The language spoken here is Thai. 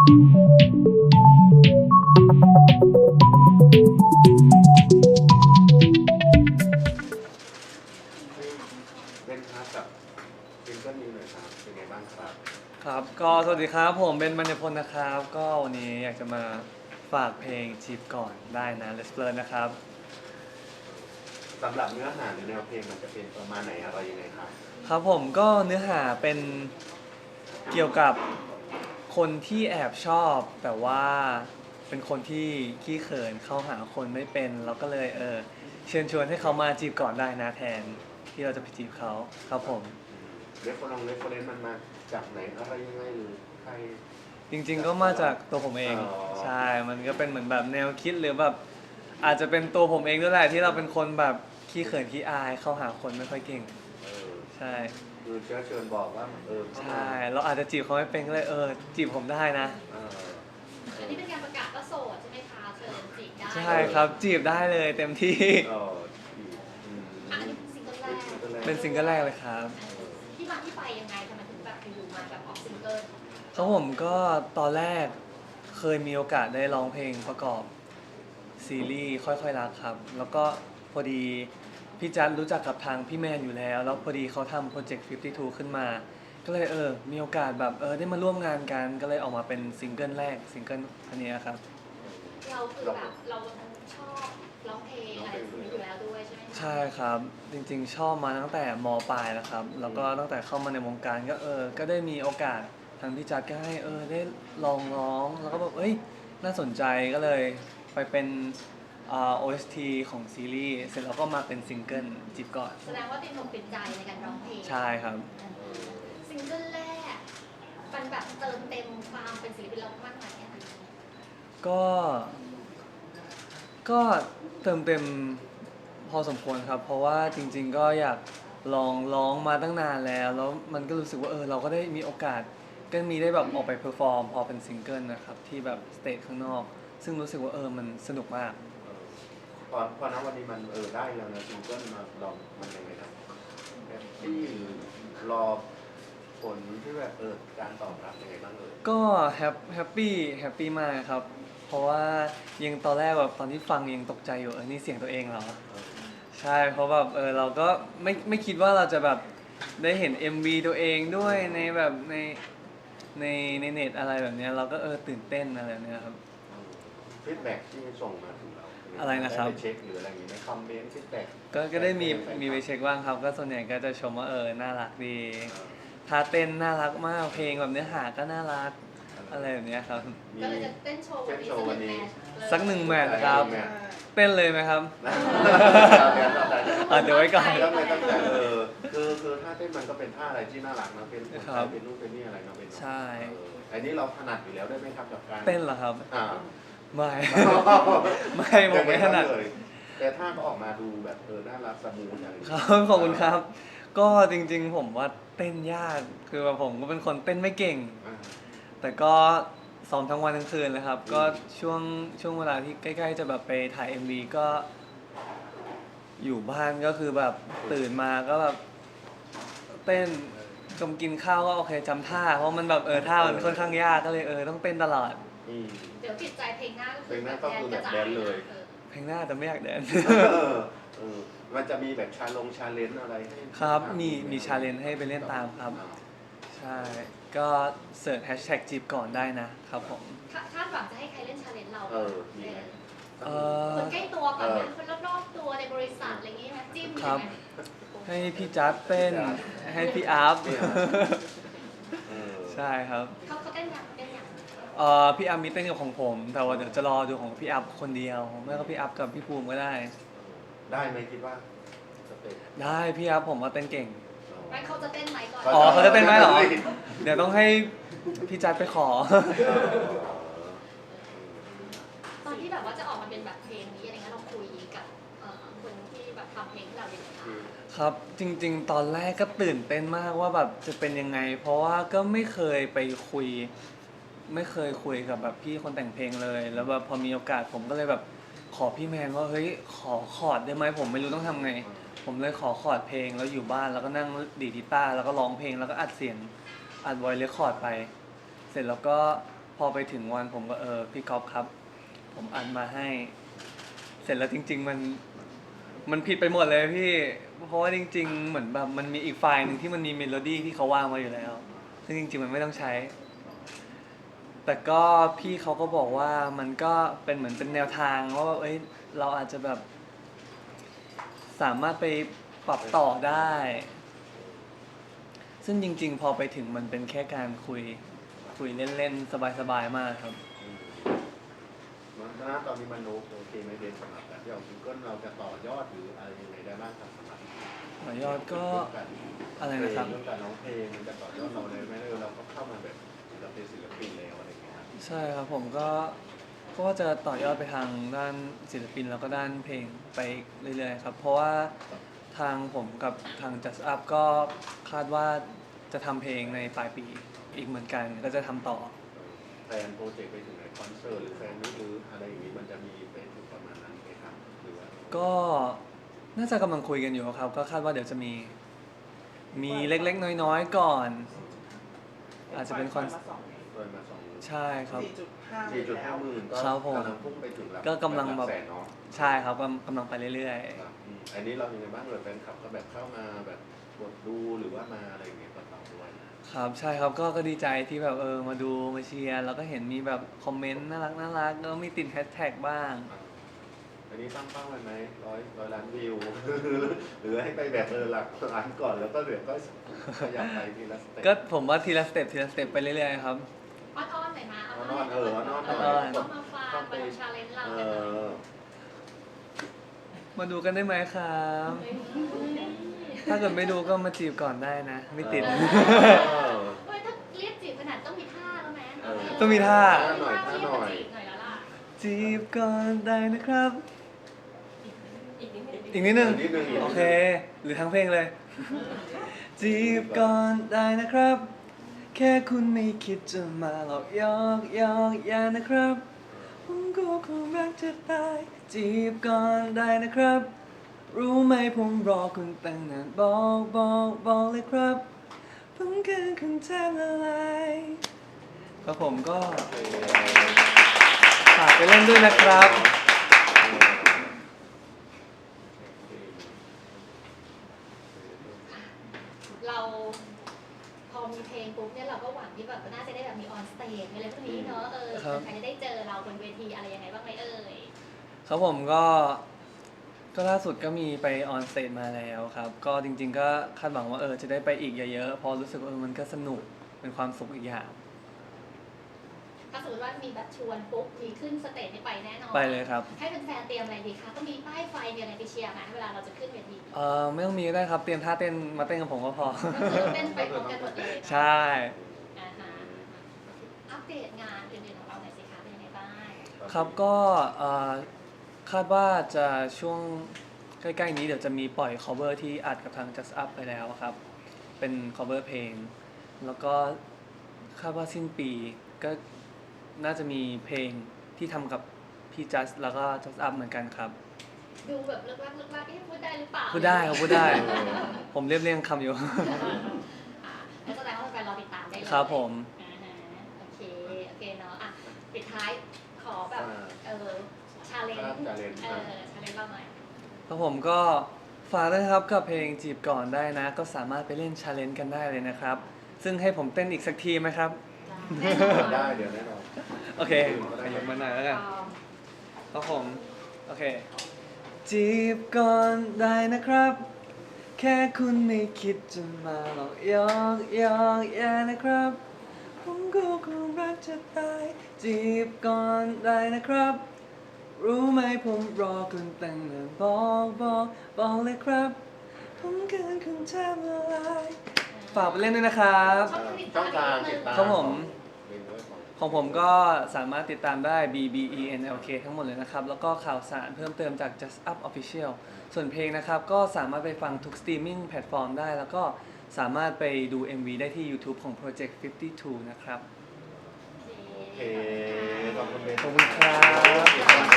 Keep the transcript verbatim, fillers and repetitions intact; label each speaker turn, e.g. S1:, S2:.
S1: เล่นครับกับซิงเกิลนี้หน่อยครับเป็นไงบ้างครับ
S2: ครับก็สวัสดีครับผมเป็นมัญญพลนะครับก็วันนี้อยากจะมาฝากเพลงจีบก่อนได้นะ Let's Learn นะครับ
S1: สำหรับเนื้อหาหรือแนวเพลงมันจะเป็นประมาณไหนอะไรยังไงครับ
S2: ครับผมก็เนื้อหาเป็นเกี่ยวกับคนที่แอบชอบแต่ว่าเป็นคนที่ขี้เขินเข้าหาคนไม่เป็นเราก็เลยเออเชิญชวนให้เขามาจีบก่อนได้นะแทนที่เราจะไปจีบเขาครับผม
S1: เรฟเฟอร์เรฟเฟอร์เรนซ์มันมาจากไหนอะไรยังไงหรือใคร
S2: จริงๆก็มาจากตัวผมเองใช่มันก็เป็นเหมือนแบบแนวคิดหรือแบบอาจจะเป็นตัวผมเองด้วยแหละที่เราเป็นคนแบบขี้เขินขี้อายเข้าหาคนไม่ค่อยเก่งใช่
S1: คือเชื้อเชิญบอกว่าเออ
S2: ใช่เราอาจจะจีบเขาไม่เป็นก็เลยเออจีบผมได้นะ
S3: อันนี้เป็นการประกาศว่าโสดใช่ไหมคะเชิญจีบได้
S2: ใช่ครับจีบได้เลยเต็มที่
S3: อันนี้ซิงเกิลแรก
S2: เป็นซิงเกิลแรกเลยครับ
S3: ที่มาที่ไปยังไงทำไมถึงแบบอยู่มาแบบออกซิงเกิล
S2: เขาผมก็ตอนแรกเคยมีโอกาสได้ร้องเพลงประกอบซีรีส์ค่อยๆรักครับแล้วก็พอดีพี่จัดรู้จักกับทางพี่แมนอยู่แล้วแล้วพอดีเขาทำโปรเจกต์ห้าสิบสองขึ้นมาก็เลยเออมีโอกาสแบบเออได้มาร่วมงานกันก็เลยออกมาเป็นซิงเกิลแรกซิงเกิลอันนี้ครับ
S3: เราคือแบบเราชอบร้องเพลงอะไรอยู่แล้วด้วยใช่ไหม
S2: ใช่ครับจริงๆชอบมาตั้งแต่ม.ปลายแล้วครับแล้วก็ตั้งแต่เข้ามาในวงการก็เออก็ได้มีโอกาสทางพี่จัดก็ให้เออได้ลองร้องแล้วก็แบบเอ้ยน่าสนใจก็เลยไปเป็นอ่า โอ เอส ที ของซีรีส์เสร็จแล้วก็มาเป็นซิงเกิลจีบก่อน
S3: แสดงว่าติดลมติดใจในการร้องเพลง
S2: ใช่ครับ
S3: ซิงเกิลแรกมันแบบเติมเต็มความเป็นศิลปินเรามากมายแค่ไหน
S2: ก็ก็เติมเต็มพอสมควรครับเพราะว่าจริงๆก็อยากลองร้องมาตั้งนานแล้วแล้วมันก็รู้สึกว่าเออเราก็ได้มีโอกาสก็มีได้แบบออกไปเพอร์ฟอร์มพอเป็นซิงเกิลนะครับที่แบบสเตจข้างนอกซึ่งรู้สึกว่าเออมันสนุกมาก
S1: พอพอนะวันนี้มันเออได้แล้วนะซิงเกิลมาลองมันยังไงครับที่รอผลที่แบบเออการตอบรับยังไงบ้างเออ
S2: ก็แฮปแฮปปี้แฮปปี้มากครับเพราะว่ายังตอนแรกแบบตอนที่ฟังยังตกใจอยู่เออนี่เสียงตัวเองเหรอใช่เพราะแบบเออเราก็ไม่ไม่คิดว่าเราจะแบบได้เห็น เอ็ม วี ตัวเองด้วยในแบบในในในเน็ตอะไรแบบนี้เราก็เออตื่นเต้นอะไรแบบนี้ครับ
S1: ฟีดแบ็กที่ส่งมาถึงเรา
S2: อะไรนะครับ
S1: ได้ไปเช็คหรืออะไรอย่างนี้ไหมคอมเมนต์ฟีดแบ็ก
S2: ก็ก็ได้มีมีไปเช็คบ้างครับก็ส่วนใหญ่ก็จะชมว่าเออน่ารักดีท่าเต้นน่ารักมากเพลงแบบเนื้อหาก็น่ารักอะไรแบบนี้ครับ
S3: ก็เลยจะเต้นโชว์วันนี้
S2: สักหนึ่งแมทครับเต้นเลยไหมครับ
S1: เ
S2: ดี๋ยวไว้ก่อน
S1: เออคือคือท่าเต้นมันก็เป็นท่าอะไรที่น่ารักนะเป็นเป็นรูปเป็นนี่อะไรเนาะเป็น
S2: ใช่
S1: อันนี้เราถนัดอยู่แล้วได้ไหมครับกับการ
S2: เต้นเหรอครับ
S1: อ่า
S2: ไม่ไม่ผมไม่ถนัด
S1: แต่ท่าก็ออกมาดูแบบเออน่ารักสมูทอะไร
S2: ครับขอบคุณครับก็จริงๆผมว่าเต้นยากคือว่าผมก็เป็นคนเต้นไม่เก่งแต่ก็ซ้อมทั้งวันทั้งคืนเลยครับก็ช่วงช่วงเวลาที่ใกล้ๆจะแบบไปถ่าย เอ็ม วี ก็อยู่บ้านก็คือแบบตื่นมาก็แบบเต้นกำกินข้าวก็โอเคจำท่าเพราะมันแบบเออท่ามันค่อนข้างยากก็เลยเออต้องเต้นตลอด
S3: เดี๋ยวติดใจเพลงหน้าก็
S1: คือแบบแดนเลย
S2: เพลงหน้าแต่ไม่อยากแดน
S1: มันจะมีแบบชาลงชาเลนจ์อะไรให้
S2: ครับมีมีชาเลนจ์ให้ไปเล่นตามครับใช่ก็เสิร์ชแฮชแท็กจีบก่อนได้นะครับผม
S3: คาดหวังจะให้ใครเล่นชาเลนจ์เรา
S1: เออมีไหม
S3: คนใกล้ตัวก่อนนะคนรอบๆตัวในบริษัทอะไรอย่างงี้ไหมจิ้ม
S2: ครับให้พี่จัดเต้นให้พี่อัพใช่ครับ
S3: เขาเขาเต้นอย่างเต้นอย่าง
S2: เอ่อพี่อัพมีเต้นกับของผมแต่ว่าเดี๋ยวจะรอดูของพี่อัพคนเดียวไม่ก็พี่อัพกับพี่ภูมิก็ได้
S1: ได้ไหมคิดว่า
S2: ได้พี่อัพผมว่าเต้นเก่ง
S3: ไม่เขาจะเต้นไหมก่อน
S2: อ๋อเขาจะเต้นไหมเหรอเดี๋ยวต้องให้พี่จัดไปขอ
S3: ตอนที่แบบว่าจะออกมาเป็นแบบเพลงนี้อะไรเงี้ยเราคุยกับคนที่แบบทำเพลงที่เราเรียน
S2: ครับจริงๆตอนแรกก็ตื่นเต้นมากว่าแบบจะเป็นยังไงเพราะว่าก็ไม่เคยไปคุยไม่เคยคุยกับแบบพี่คนแต่งเพลงเลยแล้วแบบพอมีโอกาสผมก็เลยแบบขอพี่แมนว่าเฮ้ยขอคอร์ดได้ไหมผมไม่รู้ต้องทำไงผมเลยขอคอร์ดเพลงแล้วอยู่บ้านแล้วก็นั่งดีดกีตาร์แล้วก็ร้องเพลงแล้วก็อัดเสียงอัดไวเลคคอร์ดไปเสร็จแล้วก็พอไปถึงวันผมก็เออพี่ก๊อฟครับ ผมอัดมาให้ เสร็จแล้วจริง ๆ มันมันผิดไปหมดเลยพี่ เพราะว่าจริง ๆ เหมือนแบบมันมีอีกไฟล์หนึ่งที่มันมีเมโลดี้ที่เขาวางมาอยู่แล้ว ซึ่งจริง ๆ มันไม่ต้องใช้ แต่ก็พี่เขาก็บอกว่ามันก็เป็นเหมือนเป็นแนวทางว่าเอ้ยเราอาจจะแบบ สามารถไปปรับต่อได้ ซึ่งจริง ๆ พอไปถึงมันเป็นแค่การคุยคุยเล่นๆสบายๆมากครับ
S1: อืมมันณตอนนี้มันโอเคไหมเบนสำหรับแบบที่เอาซิงเกิลเราจะต่อยอดหรืออะไรยังไงได้บ้างครับสำหรับ
S2: ต่อยอดก็
S1: เรื่องการ
S2: อะไรนะครับ
S1: เรื่องการร้องเพลงมันจะต่อยอดเราเลยไหมเออเราก็เข้ามาแบบเราเป็นศิลปินแล้วอะไรอย่างเงี้ยครับ
S2: ใช่ครับผมก็ก็จะต่อยอดไปทางด้านศิลปินแล้วก็ด้านเพลงไปเรื่อยๆครับ เพราะว่าทางผมกับทาง Just Up ก็คาดว่าจะทำเพลงในปลายปีอีกเหมือนกันก็จะทำต่อ
S1: แฟนโปรเจกต์ไปถึงไหนคอนเสิร์ตหรือแฟนมิตหรืออะไรอย่างนี้มันจะมีไปถึงประมาณนั้นไหมครับหรือว่า
S2: ก็น่าจะกำลังคุยกันอยู่ครับ ก็คาดว่าเดี๋ยวจะมี มีเล็กๆ น้อยๆ ก่อน อาจจะเป็นคอน
S1: โดยมาสอง
S2: ใช่ครับ
S4: สี่จุดห้า
S1: สี่จุดห้าหมื่นก็
S2: ครับผม
S1: กำลังพุ่งไปถึงหลัก
S2: ก็กำลังแบบ
S1: แสนเนาะ
S2: ใช่ครับกำกำลังไปเรื่อย
S1: ครับอืมอันนี้เรายังไงบ้างเลยแฟนคลับก็แบบเข้ามาแบบกดดูหรือว่ามาอะไรอย่างเงี้ยกับเราด้วย
S2: ๆ ครับใช่ครับก็ก็ดีใจที่แบบเออมาดูมาเชียร์แล้วก็เห็นมีแบบคอมเมนต์น่ารักน่ารักแล้วก็มีติดแฮชแท็กบ้าง
S1: อ่าอันนี้ตั้งเป้าไว้ไหมร้อยร้อยล้านวิว หรือให้ไปแบบเออหลักล้านก่อนแล้วก็เดี๋ยวก็ขยับไปทีละสเต็ป
S2: ก็ผมว่าทีละสเต็ปทีละสเต็ปไปเรื่อยๆครับ
S3: อ้อนๆหน่อยนะ
S1: อ้อนๆเอออ้อนๆหน่อย
S3: เออต้องมาฟังมาดูชาเลนจ์เรา
S1: เอ
S3: กันหน่อย
S1: อ
S2: มาดูกันได้ไหมครับ
S3: เฮ้ย
S2: ถ้าเกิดไม่ดูก็มาจีบก่อนได้นะ ไม่ติด
S1: เออ
S3: เฮ้ยถ้าเรียกจีบขนาดต้องมีท่าแล้วไหม
S1: เออ
S2: ต้องมีท่า
S3: ต้องมีท่าที่จะจีบหน่อยแล้วล่ะ
S2: จีบก่อนได้นะครับ
S3: อีกนิดนึง
S2: อีกนิดนึง
S1: อีกนิดนึง
S2: โอเค หรือทั้งเพลงเลย จีบก่อนได้นะครับ แค่คุณไม่คิดจะมาหลอกยอกยอกอย่านะครับ ผมก็คงรักจะตาย จีบก่อนได้นะครับ รู้ไหมผมรอคุณตั้งนานบอกบอกบอกเลยครับ ผมคือคุณแทนอะไรครับผมก็ฝากไปเล่นด้วยนะครับ
S3: เราพอมีเพลงปุ๊บเนี่ยเราก็หวังที่แบบน่าจะได้แบบมีออนสเตจมีอะไรพวกนี้เนอะเออ
S2: ครับ
S3: ใครจะได้เจอเราบนเวทีอะไรยังไงบ้างไหมเอ่ย
S2: ครับผมก็ก็ล่าสุดก็มีไปออนสเตจมาแล้วครับ ก็จริง ๆ ก็คาดหวังว่าเออจะได้ไปอีกเยอะๆเพราะรู้สึกว่าเออมันก็สนุกเป็นความสุขอีกอย่าง
S3: ถ้าสมมติว่ามีแบบชวนปุ๊บมีขึ้นสเตจนี่ไปแน่นอน
S2: ไปเลยครับ
S3: ให้แฟนๆเตรียมอะไรดีคะก็มีป้ายไฟมีอะไรไปเชียร์ไหมเวลาเราจะขึ้นเวที
S2: เออไม่ต้องมีก็ได้ครับ เตรียมท่าเต้นมาเต้นกับผมก็พอ
S3: ก็คือเต้นไปพร้อมกันหมดเลยเนอะ
S2: ใช่
S3: อ่าฮะอัปเดตงานอื่นๆของเราหน่อยสิคะเป็นยังไงบ้าง
S2: ครับก็เอ่อคาดว่าจะช่วงใกล้ๆนี้เดี๋ยวจะมีปล่อย cover ที่อัดกับทาง Just Up ไปแล้วครับ เป็น cover เพลง แล้วก็คาดว่าสิ้นปีก็น่าจะมีเพลงที่ทำกับพี่ Just แล้วก็ Just Up เหมือนกันครับ
S3: ดูแบบเลิกลักเลิกลักเอ๊ะพูดได้หรือเปล่า
S2: พูดได้ครับพูดได้ ผมเรียบเรียงคำอยู่
S3: อ่าแล้วแสดงว่าแฟนๆรอติดตามได้เลย
S2: ครับผม
S3: อ่าฮะโอเคโอเคเนาะอ่ะปิดท้ายขอแบบเออชาเลนจ์
S1: challenge
S3: เออชาเลนจ์เราหน่อย
S2: ครับผมก็ฝากด้วยนะครับกับเพลงจีบก่อนได้นะ ก็สามารถไปเล่นชาเลนจ์กันได้เลยนะครับ ซึ่งให้ผมเต้นอีกสักทีไหมครับ
S3: แน่นอน
S1: ได้เดี๋ยวแน่นอน
S2: โอเคขยับมาหน่อยแล้วกัน ครับผม โอเค จีบก่อนได้นะครับ แค่คุณไม่คิดจะมาหลอกยอกยอกอย่านะครับ ผมก็คงรักจะตาย จีบก่อนได้นะครับ รู้ไหมผมรอคุณตั้งนานบอกบอกบอกเลยครับ ผมเกินคุณแทบละลายฝากไปเล่นด้วยนะครับ
S1: ช่องทางติดตาม
S2: ครับผม
S1: เรียนด้วยของ
S2: ของผมก็สามารถติดตามได้ B B E N L K ทั้งหมดเลยนะครับ แล้วก็ข่าวสารเพิ่มเติมจาก Just Up Official ส่วนเพลงนะครับ ก็สามารถไปฟังทุกสตรีมมิ่งแพลตฟอร์มได้ แล้วก็สามารถไปดู เอ็ม วี ได้ที่ YouTube ของ Project ห้าสิบสอง นะครับ
S1: โอเคขอบคุณเบน
S2: ขอบคุณครับ
S1: ขอบคุณ